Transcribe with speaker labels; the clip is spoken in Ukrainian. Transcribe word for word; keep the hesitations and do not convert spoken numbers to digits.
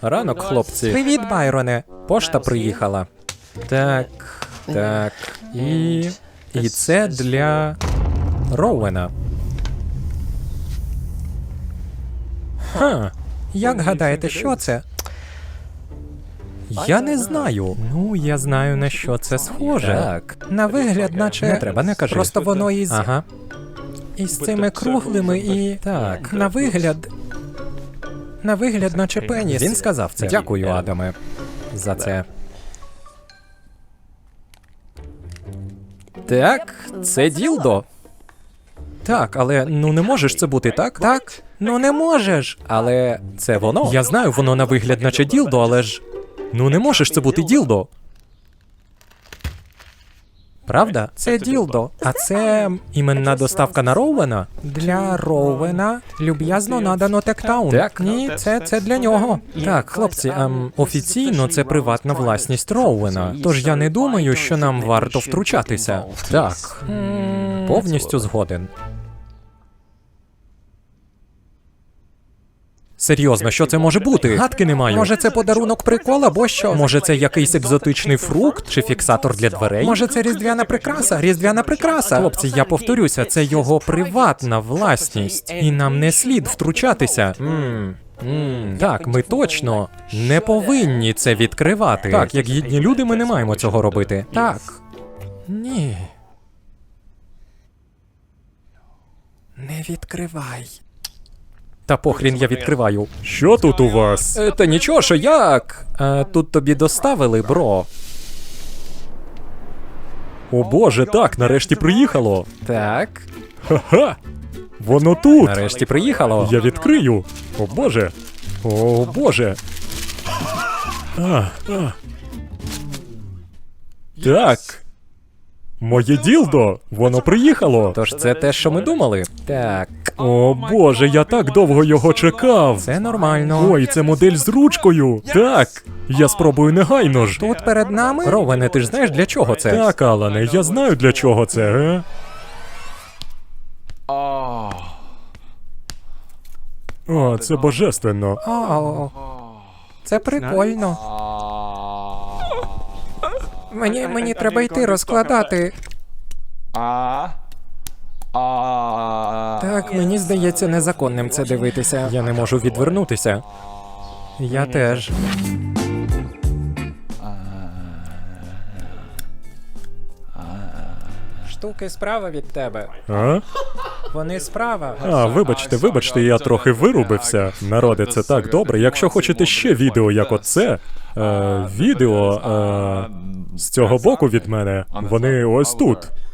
Speaker 1: Ранок, хлопці. Привіт, Байроне. Пошта приїхала. Так, так. І... І це для... Роуена. Ха. Як гадаєте, що це? Я не знаю. Ну, я знаю, на що це схоже. Так. На вигляд, наче... Не треба, не кажи. Просто воно із... Ага. Із цими круглими і... Так. На вигляд... На вигляд, наче пеніс. Він сказав це. Дякую, Адаме, за це. Так, це ділдо. Так, але ну не можеш це бути, так? Так. Ну не можеш. Але це воно. Я знаю, воно на вигляд наче ділдо, але ж... Ну не можеш це бути ділдо. Правда? Це ділдо. А це іменна доставка на Роуена? Для Роуена люб'язно надано Тектаун. Так, ні, це, це для нього. Так, хлопці, ем, офіційно це приватна власність Роуена. Тож я не думаю, що нам варто втручатися. Так, повністю згоден. Серйозно, що це може бути? Гадки не маю. Може це подарунок прикол або що? Може це якийсь екзотичний фрукт чи фіксатор для дверей? Може це різдвяна прикраса? Різдвяна прикраса? Хлопці, я повторюся, це його приватна власність. І нам не слід втручатися. Ммм. Mm, так, ми точно не повинні це відкривати. Так, як гідні люди, ми не маємо цього робити. Так. Ні. Не відкривай. Та похрін я відкриваю.
Speaker 2: Що тут у вас?
Speaker 1: Е, та нічого, що як? Е, тут тобі доставили, бро.
Speaker 2: О боже, так, нарешті приїхало.
Speaker 1: Так.
Speaker 2: Ха-ха! Воно тут!
Speaker 1: Нарешті приїхало.
Speaker 2: Я відкрию. О боже. О боже. А, а. Так. Моє ділдо, воно приїхало.
Speaker 1: Тож це те, що ми думали. Так.
Speaker 2: О боже, я так довго його чекав.
Speaker 1: Це нормально.
Speaker 2: Ой, це модель з ручкою. Так. Я спробую негайно ж.
Speaker 1: Тут перед нами? Ровене, ти ж знаєш, для чого це?
Speaker 2: Так, Алане, я знаю, для чого це, ге? О, це божественно.
Speaker 1: О, це прикольно. Мені, мені треба йти розкладати. Так, мені здається незаконним це дивитися. Я не можу відвернутися. Я теж. Штуки справа від тебе.
Speaker 2: А?
Speaker 1: Вони справа.
Speaker 2: А, вибачте, вибачте, я трохи вирубився. Народе, це так добре. Якщо хочете ще відео, як оце, е, відео е, з цього боку від мене, вони ось тут.